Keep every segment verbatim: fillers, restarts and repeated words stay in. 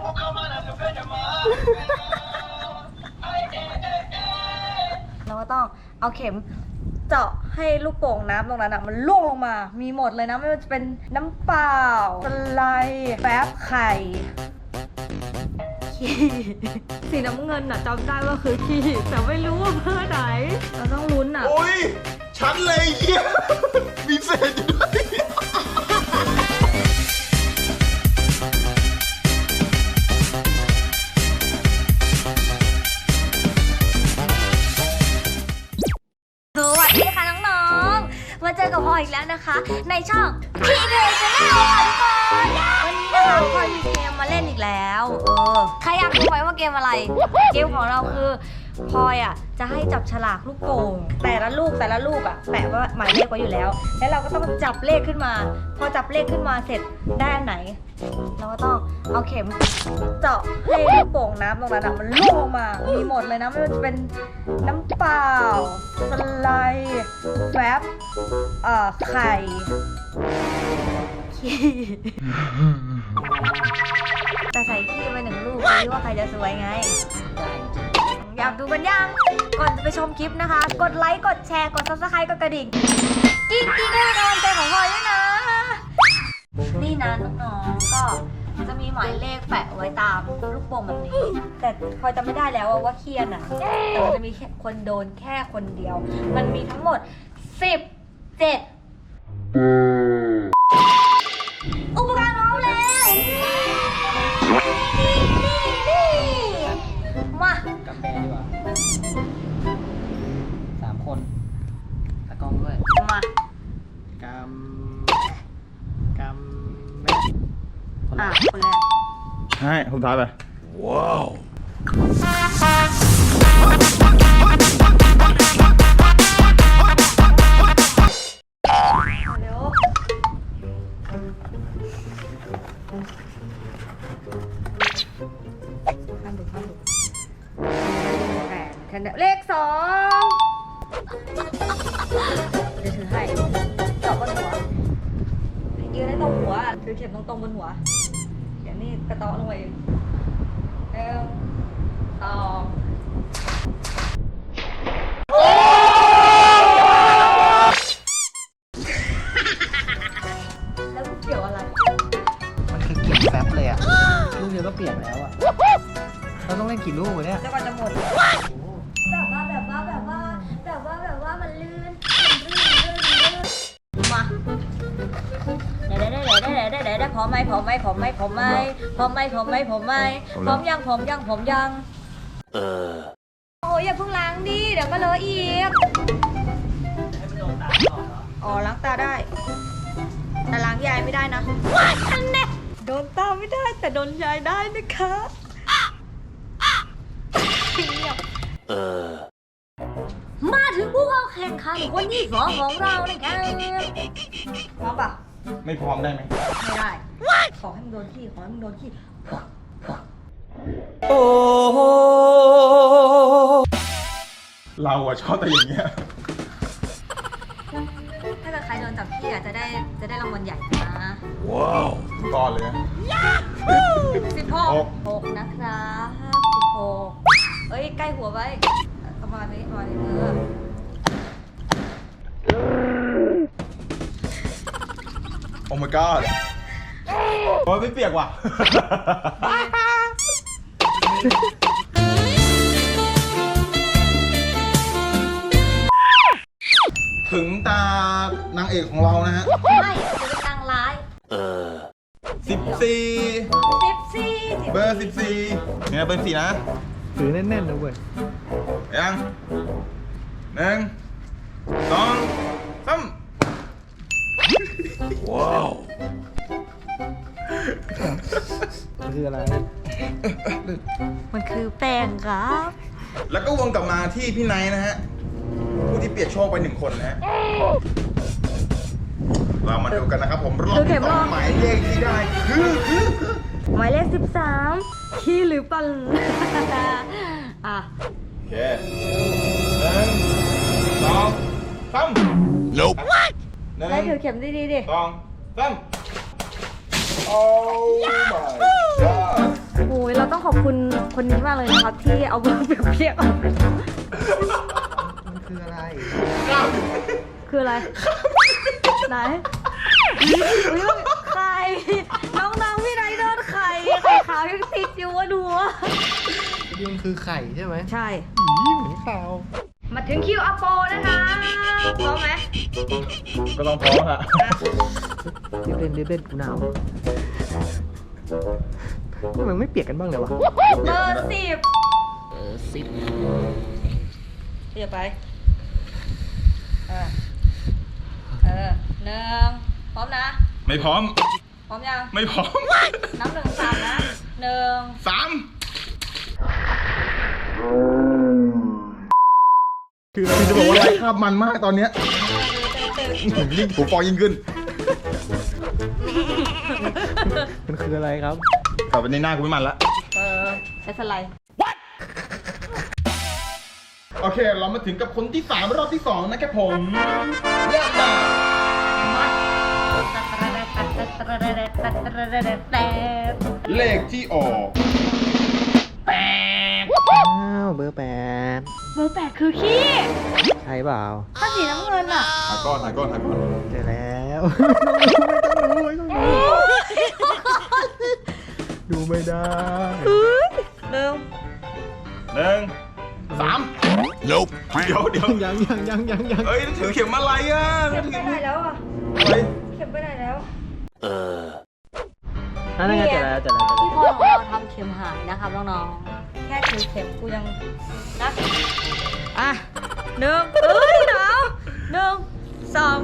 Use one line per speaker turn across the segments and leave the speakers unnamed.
เราก็ต้องเอาเข็มเจาะให้ลูกโป่งน้ำตรงนั้นอ่ะมันล่วงลงมามีหมดเลยนะไม่ว่าจะเป็นน้ำเปล่าสไลด์แป๊บไข่ขี้สีน้ำเงินอ่ะจำได้ว่าคือขี้แต่ไม่รู้ว่าเพื่อไหนเราต้องลุ้นอ่ะ
โอ้ยฉันเลยเฮียมีเศษอยู่ด้วย
สวัสดีค่ะน้องๆมาเจอกับพลอยอีกแล้วนะคะ ในช่องพีเดย์ชาแนลค่ะทุกคนวันนี้นะคะพลอยมีเกมมาเล่นอีกแล้วเออใครอยากรู้ไหมว่าเกมอะไรเกมของเราคือพลอยอ่ะจะให้จับฉลากลูกโป่งแต่ละลูกแต่ละลูกอ่ะแปะว่าหมายเลขไว้อยู่แล้วแล้วเราก็ต้องจับเลขขึ้นมาพอจับเลขขึ้นมาเสร็จได้อันไหนเราก็ต้องเอาเข็มเจาะให้ลูกโป่งน้ำตรงนั้นมันล่วงลงมามีหมดเลยนะไม่ว่าจะเป็นน้ำเปล่าสไลด์แป๊บเอ่อไข่ขี้แต่ใส่ขี้ไปหนึ่งลูกดูว่าใครจะสวยไงอยากดูกันยังก่อนจะไปชมคลิปนะคะกดไลค์กดแชร์กด ซับสไครบ์ กดกระดิ่งกิ๊กกิ๊กให้เป็นกำลังใจของพลอยด้วยนะนี่นะน้องๆก็จะมีหมายเลขแปะไว้ตามลูกโป่งแบบนี้แต่พลอยจำไม่ได้แล้วว่าเคียนอ่ะแต่มันจะมีคนโดนแค่คนเดียวมันมีทั้งหมดสิบเจ็ดอุปกรณ์พร้อมแล้วมา
กับแบร์ดีกว่าสามคนตะกล้องด้วย
มาก
ำกำแม่คน
อ่ะ
ละ
คนแรก
ให้ผมท้ายไปว้าว
เร็วข้ามดูข้ามดูแปดแค่นั้นเลขสองเดี๋ยวถือให้เจาะบนหัวยืนให้ตรงหัวถือเข็มตรงๆบนหัวเดี๋ยวนี่กระเตาะลงไปเองหนึ่งสองแล้วลูกเกี่ยวอะไร
มันคือเก็บแฟบเลยอ่ะ ลูกเดียวก็เปลี่ยนแล้วอ่ะ เราต้องเล่นกี่ลูกวะเนี่ย
แล้วก็จะหมดแบบว่าแบบว่าแบบว่าแบบว่าแบบว่ามันลื่นลื่นลื่นลื่นมาเดี๋ยวเดี๋ยวเดี๋ยวเดี๋ยวเดี๋ยวเดี๋ยวพร้อมไหมพร้อมไหมพร้อมไหมพร้อมไหมพร้อมไหมพร้อมไหมพร้อมไหมพร้อมยังพร้อมยังพร้อมยังเออโอ้ยอย่าเพิ่งล้างดิเดี๋ยวก็เลอะอีกอ๋อล้างตาได้แต่ล้างยายไม่ได้นะอันเนี้ยโดนตาไม่ได้แต่โดนยายได้นะคะเออมาถึงผู้เข้าแข่งขันคนที่สองของเรานะคะพร้อมปะ
ไม่พร้อมได้ไหม
ไม่ได้ขอให้มึงโดนขี้ขอให้มึงโดนขี้
โอ้เราอะชอบแต่อย่างเงี้ย
ถ้าเกิดใครโดนจับขี้อ่ะจะได้จะได้รางวัลใหญ่นะ
ว้าวก่อนเลยนะ
สิบหกหกนะครับสิบหกเอ้ยใกล้หัวไว้ประมาณนี้ประมาณนี้เออ
โอ้ my god โอ้ยไม่เปียกว่ะ ถึงตานางเอกของเรานะฮะ
ไม่จะเป็นนางร้าย
สิบสี่
สิบสี่
เบอร์สิบสี่เนี่ยเบอร์สี่นะ
ถือแน่นๆนะเว้ย
ยังหนึ่งสองสามว้าว
มันคืออะไร
มันคือแป้งครับ
แล้วก็วนกลับมาที่พี่ไนท์นะฮะ ผู้ที่เปลี่ยนโชคไปหนึ่งคนนะฮะ เรามาดูกันนะครับผมรอบที่สองหมายเลขที่ได้คือคือคือ
หมายเลขสิบสามขี้หรือปัน อ่ะ
โอเคหนึ่งสองสาม Nope หนึ่ง
ได้ถือเข็มดีๆดิ
สองสามโอ้ my god
โอ้ต้องขอบคุณคนนี้มากเลยนะครับ ที่เอาเบอร์เปรียบๆออก
มันคืออะไร
คืออะไร ไหนอุ๊ยไข่น้องๆพี่ไนท์โดนไข่ไข่ขาวยังติดอยู่วะดูวะ
นี่มันคือไข่ใช่ไหม
ใช่
อีเหมือนข่าว
มาถึงคิวอัปโปนะคะพร้อมไหม
ก็ต้องพร้อมอะ
เล่นเล่นเล่นกูหนาวทำไมไม่เปียกกันบ้างเลยวะ
เบอร์สิบ
เออสิบ
เดี๋ยวไป เออ เออหนึ่งพร้อมนะ
ไม่พร้อม
พร้อมยัง
ไม่พร้อม
นับหนึ่งสามนะหนึ่ง
สาม คือคือจะบอกว่าไลฟ์ภาพมันมากตอนเนี้ยยิ่งผมฟองยิ่งขึ้น
มันคืออะไรครับ
ต่อไปในหน้ากูไม่มันละ
เออใช้สไลด์
โอเค เรามาถึงกับคนที่สามรอบที่สองนะครับผมเริ่มได้เลขที่ออกแปด
อ้าวเบอร์แปด
เบอร์แปดคือขี้
ใช่เปล่า
ถ้าสีน้ำเงินอ่ะ
ถ่ายก้อนถ่ายก้อนถ่ายก้อน
เจอแล้ว ไม่ต้องรู้ไม่ต้องรู้ดูไม่ได้
เร็ว
หนึ่งสาม Nope เดี๋ยวเดี๋ยว
ยังยังยังยังยัง
เอ้ยถือเข็มอะไรอ่ะ
เข็มไปไหนแล้วอ่ะ
อะไร
เข็มไปไหนแล้ว
นั่นไงเจอแล้วเจอแล้วเจอ
ที่
แล้ว
พ่อของเราทำเข็มหายนะครับน้องๆ แค่ถือเข็มกูยังนะอ่ะหนึ่งเอ้ยหนาวหนึ่งสอง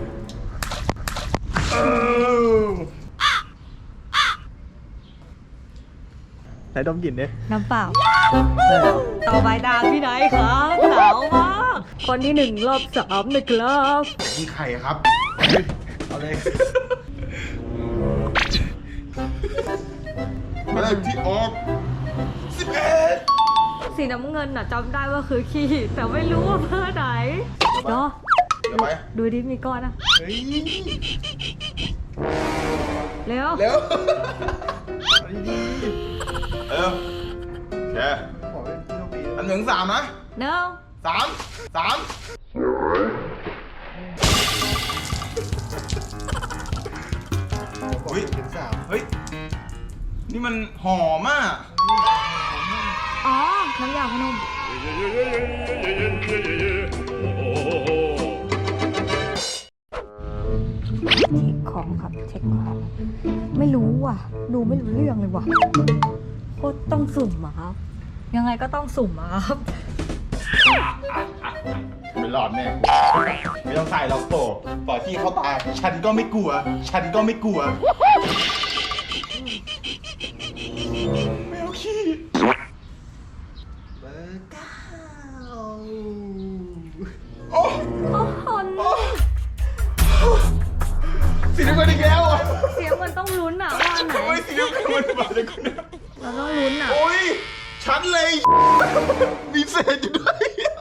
เออ
ไหนดมกลิ่นดิ
น้ำเปล่า ต่อไปตามพี่ไหนครับหนาวมากคนที่หนึ่งรอบสามนะครับ
นี่ไข่ครับ
เอาเลย
เลขที่ออกสิบเอ็ด
สีน้ำเงินน่ะจำได้ว่าคือขี้แต่ไม่รู้ว่าเบอร์ไหนเนาะ
เดี๋ยวไป
ดูดิมีก้อนนะ
เฮ้ย
เร็ว
เร็ว
เอาดี
เร็วโอเค
ๆขอเป็นโชคดี
อันหนึ่งสามนะ
หนึ่ง
สามสามเฮ้ย
ถึงสาม
เฮ้ย นี่มันหอมอ่ะ
อ๋อ น้ำยาพนมนี่ของครับเช็คของ ไม่รู้ว่ะ ดูไม่รู้เรื่องเลยว่ะโคตรต้องสุ่มอะครับ ยังไงก็ต้องสุ่มอะครับ
ไม่รอดแน่ไม่ต้องใส่หรอกโตต่อที่เขาตายฉันก็ไม่กลัว ฉันก็ไม่กลัว ไม่เอาขี้
เบอร์เก้า
โอ้
โอ้โห
สีน้ำเงินอีกแล้วอ่ะ
เสียงมันต้องลุ้นอะว่าอันไหน
ทำไมสีน้ำเงินมันมาจากคนเนี้ย
เราต้องลุ้นอะ
โอ้ย ฉันเลย มีเศษอยู่ด้วย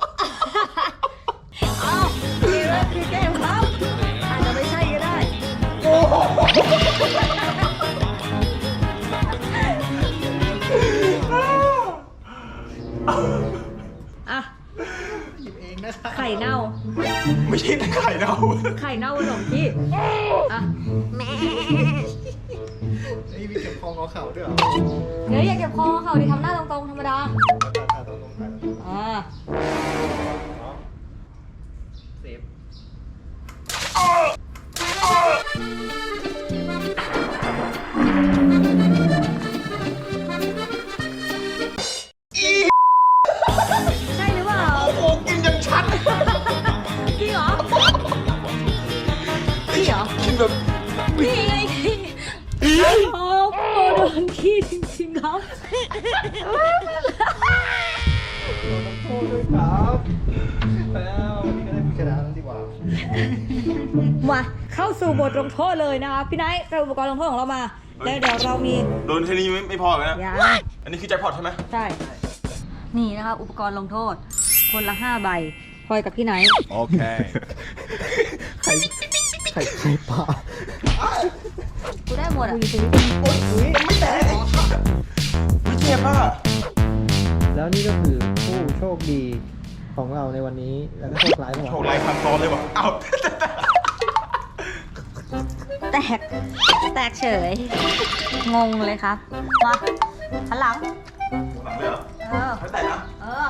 อ้าวนี่แหละคือเกมครับอาจจะไม่ใช่ก็ได้
โอ้โห
อ่ะ
หยิบเองนะครับ
ไข่เน่า
ไม่ใช่ไข่เน่า
ไข่เน่าขนมที่อ่ะ
ไอ้ยมีเก็บคองเอาเข่าด้วยเหรอ
เดี๋ยวอย่าเก็บคอเขาดิทำหน้าตรงๆธรรมดา
ตาตรงตรงกัน
อ่า
เซฟ
ใช่หรือเปล่า
โอ้โห กินอย่างฉัน
จริงเหรอจริงเหรอ
กินแบบ
นี่ไงโอ้โหโดนขี้จริงๆครับ
โทษด้วยครับแล้ววันนี้ก็ได้ผู้ชนะแล้วดีกว่า
มาเข้าสู่บทลงโทษเลยนะคะพี่ไนท์ไปอุปกรณ์ลงโทษของเรามา แล้วเดี๋ยวเรามี
โดนแค่นี้ไม่ไม่พอเลยนะ
ยา
อันนี้คือแจ็คพอตใช่ไหม
ใช่ นี่นะคะอุปกรณ์ลงโทษ คนละห้าใบพลอยกับพี่ไนท์
โอเค
ไข่ไข่ไข่ปลา
กูได้หมดอ่ะ
โอ๊ยอุ๊ยไม่แตก
ไม่เจ็บค่ะ
แล้วนี่ก็คือผู้โชคดีของเราในวันนี้ แล้วก็โชคร้ายของ
โช
เรา
คไรคันซ้อนเลยวะเอ้า
แตก แตกเฉย งงเลยครับ มาหันหลัง
หลังเลยเหรอ
เออ
ไม่แตกนะ
เออ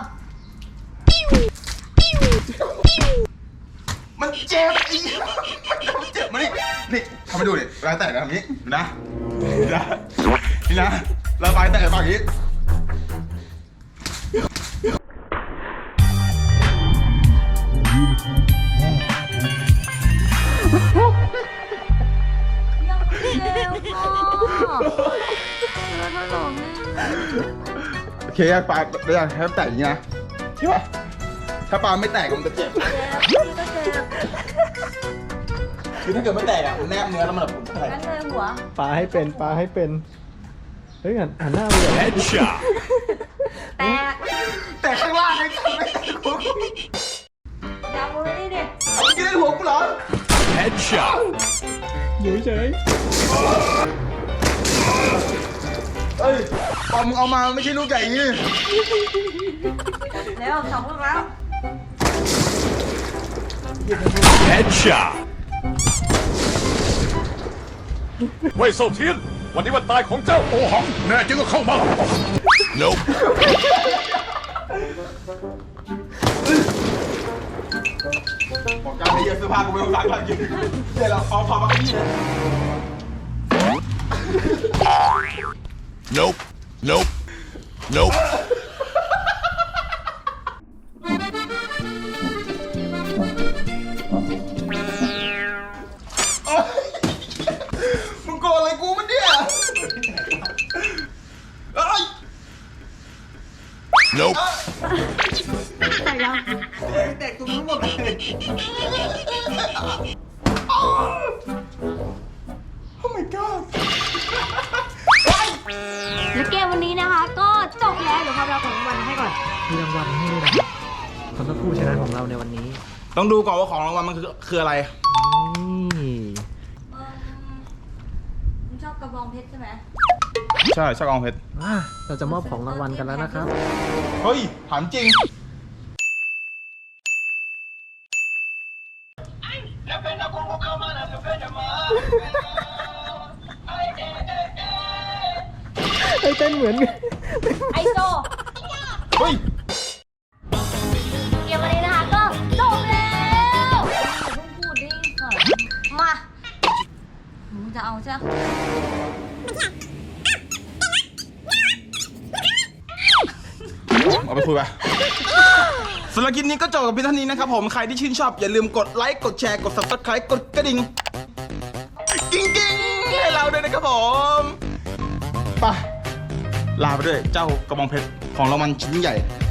มันเจ็บอีมันเจ็บมานี่นี่ทำให้ดูดิรอยแตกนะทำนี้นะนี่นะนี่นะระบายแตกแบบนี้
ยังเร็วพ่อแล้วถล่ม
โอเคปลาเดี๋ยวให้แตกอย่างนี้นะใช่ปะถ้าปลาไม่แตกมันจะเจ็บ
เจ็บพี่ก็เจ็บ
คือถ้าเกิดไม่แตกอ่ะมันแนบเนื้อแล้วมันแบบอะไร
งั้นเลยหัว
ปลาให้เป็นปลาให้เป็นเฮ้ยหันหันหน้าไปเลย
Headshot.
แตก
แต่ข้างล่างไม่แตกไม่แตกหัวกู
อย่ามือนี่ดิ
เอาไปกินในหัวกูเหรอ
Headshot.
อยู่เฉย
เอ้ยปลามึงเอามาไม่ใช่ลูกใหญ่อย่างนี้
เร็วสองลูกแล้ว
Headshot. เว่ยเซาเทียน วันนี้วันตายของเจ้าโอหัง แน่จริงก็เข้ามา Nope.
บอกการไปเยอะเสื้อผ้ากูไม่ต้องซักแล้วจริงเดี๋ยวเราเอาพอมาแค่นี้เลย
Nope. Nope. Nope.
โอ๊ยมึงโกรธอะไรกูมันเนี่ยเอ้ย
Nope.
แตกตรงนู้นหมดเลย
โอ้ my god
และเกมวันนี้นะคะ ก็จบแล้วเดี๋ยวครับเราของรางวัลให้ก่อน
มีรางวัลให้ด้วยนะสำหรับผู้ชนะของเราในวันนี้
ต้องดูก่อนว่าของรางวัลมันคือคืออะไร
นี่
เออมึงชอบกระบองเพชรใช่ไหม
ใช่ชอบกองเพชร
อ่ะเราจะมอบของรางวัลกันแล้วนะครับ
เฮ้ยถามจริง
ไอ้เต้นเหมือนกัน
ไอโซ
เฮ้ย
เกมวันนี้นะคะก็จบแล้วอย่าเพิ่งพูดดิค่ะมามึงจะเอาใช่ไหม
เอาไปคุยไปสำหรับคลิปนี้ก็จบกับเพียงเท่านี้นะครับผม ใครที่ชื่นชอบอย่าลืมกดไลค์ กดแชร์ กด ซับสไครบ์ กดกระดิ่ง กิ้งกิ้งให้เราด้วยนะครับผมไปลาไปด้วยเจ้ากระบองเพชรของรางวัลชิ้นใหญ่